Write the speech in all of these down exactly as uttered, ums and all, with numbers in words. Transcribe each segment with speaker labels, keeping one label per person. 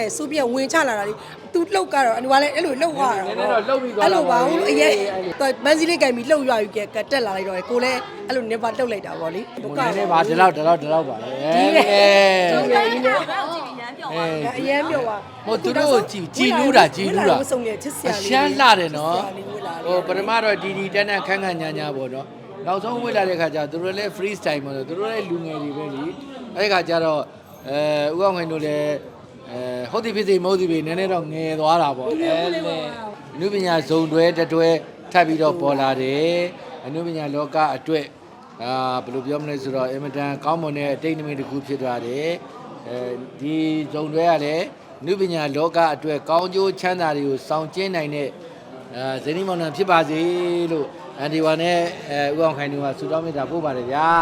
Speaker 1: နဲ့စိုးပြဝင်ချလာတာလေသူလှုပ်ကတော့အနူကလည်းအဲ့လိုလှုပ်သွားတာ
Speaker 2: နည်းနည်းတော့လှုပ်ပြီးသွား
Speaker 1: အဲ့
Speaker 2: တာ
Speaker 1: လိုပါဘူးလို့အရင်မန်းစည်းလေးကင်ပြီးလှုပ်ရွာယူကတက်လာလိုက်တော့ကိုလည်းအဲ့လိုနေပါလှုပ်လိုက်တာပေါ့လေ
Speaker 2: နည်းနည်းပါဒီလောက်ဒီလောက်ဒီလောက်ပါလေအဲ
Speaker 1: ဟုတ်ကဲ့ဒီနေ့
Speaker 2: အဲ
Speaker 1: အရင်ပြောပါ
Speaker 2: ဟိုသူတို့ကိုကြည်ကြည်နူးတာကြည်နူးတာ
Speaker 1: ဆုံးနေချစ်စရာ
Speaker 2: အရှမ်းလှတယ်နော်ဟိုပထမတော့ဒီဒီတန်းတန်းခန်းခန်းညာညာပေါ့နော်နောက်ဆုံးဝေ့လာတဲ့ခါကျသူတို့လည်း free style ပေါ့သူတို့လည်းလူငယ်တွေပဲလीအဲ့ဒီခါကျတော့အဲဥအောင်ခိုင်တို့လည်းအဲဟုတ်သည်ဖြစ်စေမဟုတ်သည်ဖြစ်နည်းနည်းတော့ငယ်သွားတာပေါ့အဲလေအနုပညာဇုံတွဲတတွဲထပ်ပြီးတော့ပေါ်လာတယ်အနုပညာလောကအတွက်အာဘယ်လိုပြောမလဲဆိုတော့အင်မတန်ကောင်းမွန်တဲ့အတိတ်နမိတ်တစ်ခုဖြစ်သွားတယ်အဲဒီဇုံတွဲကလည်းအနုပညာလောကအတွက်ကောင်းကျိုးချမ်းသာတွေကိုဆောင်ကျဉ်နိုင်တဲ့အဲဇနီးမောင်နှံဖြစ်ပါစေလို့အန်ဒီဝါနဲ့အဲဥအောင်ခိုင်တို့ကဆုတောင်းမေတ္တာပို့ပါတယ်ဗျာ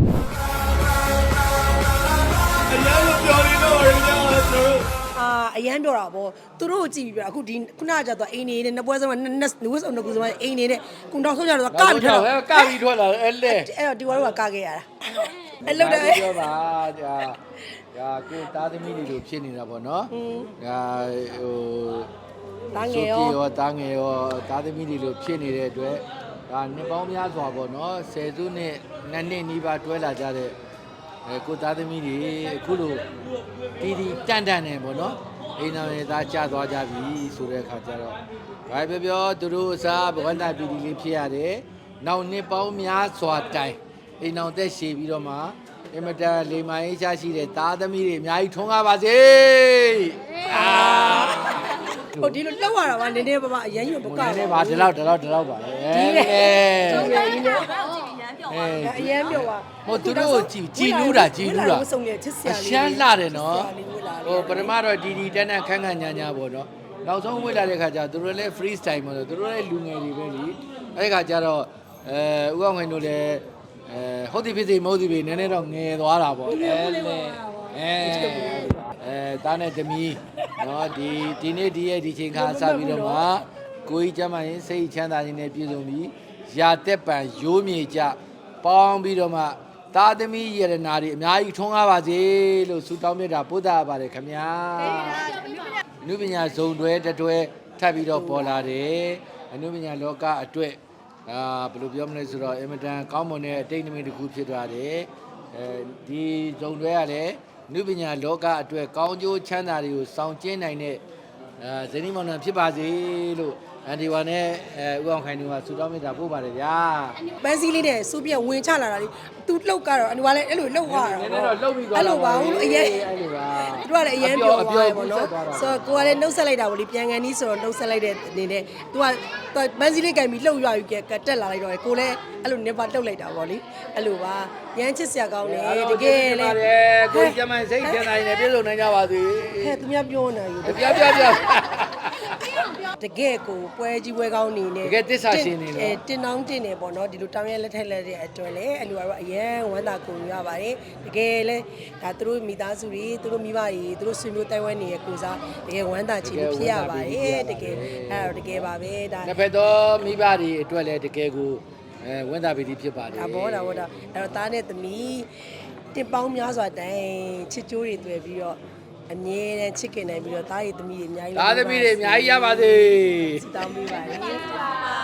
Speaker 3: အရင်ကပြောနေတော့ရကြတော့
Speaker 1: အာအရန်ပြောတာပေါ့သူတို့ကိုကြည့်ပြီးပြောအခုဒီခုနကကျတော့အိမ်နေနဲ့နှစ်ပွဲစမှာနှစ်နှစ်ဝစ်စုံနှစ်ခုစမှာအိမ်နေတဲ့ကုံတော်ဆုံးကြတော့ကပြီးထွက်
Speaker 2: ကပြီးထွက်လာအဲ့လေ
Speaker 1: အဲ့တော့ဒီဝါတို့ကကခဲ့ရတာအဲ့လောက်တယ်
Speaker 2: ပြောပါဒါဒါကိုသားသမီးတွေလိုဖြစ်နေတာပေါ့နော်ဒါဟို
Speaker 1: တားငယ်ရော
Speaker 2: ရောတားငယ်ရောသားသမီးတွေလိုဖြစ်နေတဲ့အတွက်ဒါနှစ်ပေါင်းများစွာပေါ့နော်ဆယ်စုနှစ်နှစ်နှစ်နီးပါးတွဲလာကြတဲ့အဲကိုသားသမီးတွေအခုလိုတီတီတန့်တန့်နေပေါ့နော်အိမ်တော်ရဲ့သားကြသွားကြပြီဆိုတဲ့အခါကျတော့ဘာပြောပြောသူတို့အစားဘဝန္တပီတီလေးဖြစ်ရတယ်နောက်နှစ်ပေါင်းများစွာတိုင်အိမ်တော်သက်ရှည်ပြီးတော့မှအင်မတန်လေမိုင်းရှားရှိတဲ့သားသမီးတွေအများကြီးထွန်းကားပါစေအာ
Speaker 1: ဟိုဒီလိုလောက်ရတာပါနည်းနည်းပါးပါအရန်ယူပုတ်က
Speaker 2: နည်းနည်းပါဒီလောက်ဒီလောက်ဒီလောက်ပါလေ
Speaker 1: ဒီလေ
Speaker 2: အဲ
Speaker 1: ဒီလေဒီလေအရန်ပြောပါ
Speaker 2: ဟိုသူတို့ကိုကြည်ကြည်နူးတာကြည်နူးတာ
Speaker 1: ဆုံးနေချစ်စရာ
Speaker 2: အရှမ်းလှတယ်နော်ဟိုပထမတော့ဒီဒီတန်းတန်းခန်းခန်းညာညာပေါ့နော်နောက်ဆုံးဝေ့လာတဲ့ခါကျသူတို့လည်း free style ပေါ့သူတို့လည်းလူငယ်တွေပဲလीအဲ့ဒီခါကျတော့အဲဥအောင်ခိုင်တို့လည်းအဲဟုတ်သည်ဖြစ်စေမဟုတ်သည်ဖြစ်နည်းနည်းတော့ငယ်သွားတာပေါ့အဲလေအဲအဲတားနဲ့သမီးနော်ဒီဒီနေ့ဒီရဲ့ဒီချိန်ခါစပြီးတော့မှကိုကြီးကျမ်းမာရင်စိတ်ချမ်းသာခြင်းနဲ့ပြည့်စုံပြီးရာတက်ပံရိုးမြေကြပေါင်းပြီးတော့မှသားသမီးယရနာတွေအများကြီးထွန်းကားပါစေလို့ဆုတောင်းမြတ်တာပို့တာပါတယ်ခင်ဗျာအနုပညာဇုံတွဲတတွဲထပ်ပြီးတော့ပေါ်လာတယ်အနုပညာလောကအတွက်အာဘယ်လိုပြောမလဲဆိုတော့အင်မတန်ကောင်းမွန်တဲ့အတိတ်နမိတ်တစ်ခုဖြစ်သွားတယ်အဲဒီဇုံတွဲကလည်းအနုပညာလောကအတွက်ကောင်းကျိုးချမ်းသာတွေကိုဆောင်ကျဉ်နိုင်တဲ့အဲဇနီးမောင်နှံဖြစ်ပါစေလို့အန်ဒီဝါနဲ့အဲဥအောင်ခိုင်တို့ကဆုတောင်းမေတ္တာပို့ပါတယ်ဗျာ
Speaker 1: ပန်းစည်းလေးနဲ့စိုးပြဝင်ချလာတာလေသူလှုပ်ကတော့အနူကလည်းအဲ့လိုလှုပ်သွားတာ
Speaker 2: နည်းနည်းတော့လှုပ်ပြီးသွား
Speaker 1: အဲ့လိုပါဘူးလို့အရင်
Speaker 2: အဲ့လိုပါ
Speaker 1: သူကလည်းအရင်ပြောသွားတယ်ပေါ့နော်ဆိုတော့ကိုကလည်းနှုတ်ဆက်လိုက်တာပေါ့လေပြန်ကန်နီးဆိုတော့နှုတ်ဆက်လိုက်တဲ့အနေနဲ့သူကမန်းစည်းလေးကင်ပြီးလှုပ်ရွာယူကတက်လာလိုက်တော့ကိုလည်းအဲ့လိုနေပါလှုပ်လိုက်တာပေါ့လေအဲ့လိုပါရမ်းချစ်စရာကောင်းတယ်တကယ်လေ
Speaker 2: ကိုကျမစိတ်ချမ်းသာနေပြည့်စုံနိုင်ကြပါစေ
Speaker 1: ဟဲ့သူများပြောနေယူ
Speaker 2: ပြပြပြ
Speaker 1: တကယ်ကိုပွဲကြီးပွဲကောင်းနေနေ
Speaker 2: တကယ်တစ္ဆာရှင်နေလို့
Speaker 1: အဲတင်တောင်းတင်နေပေါ့နော်ဒီလိုတောင်းရလက်ထက်လက်တဲ့အတွက်လေအဲ့လိုကတော့အရန်ဝမ်းသာကုန်ရပါတယ်တကယ်လဲဒါသူတို့မိသားစုတွေသူတို့မိဘတွေသူတို့ဆွေမျိုးတိုင်ဝမ်နေရဲ့ကိုစားတကယ်ဝမ်းသာချင်ဖြစ်ရပါတယ်တကယ်အဲ့တော့တကယ်ပါပဲဒါ
Speaker 2: တစ်ဖက်သောမိဘတွေအတွက်လည်းတကယ်ကိုအဲဝန်တာပီတိဖြစ်ပါတယ်
Speaker 1: ဒါဘောဒါဘောဒါအဲ့တော့သားနဲ့သမီးတင်ပေါင်းများစွာတိုင်ချစ်ကြိုးတွေတွေ့ပြီးတော့အမြဲတမ်းချစ်ခင်နိုင်ပြီးတော့သားရည်သမီးတွေအများကြီး
Speaker 2: သားသမီးတွေအများကြီးရပါစေ
Speaker 1: တောင်းပေးပါလေ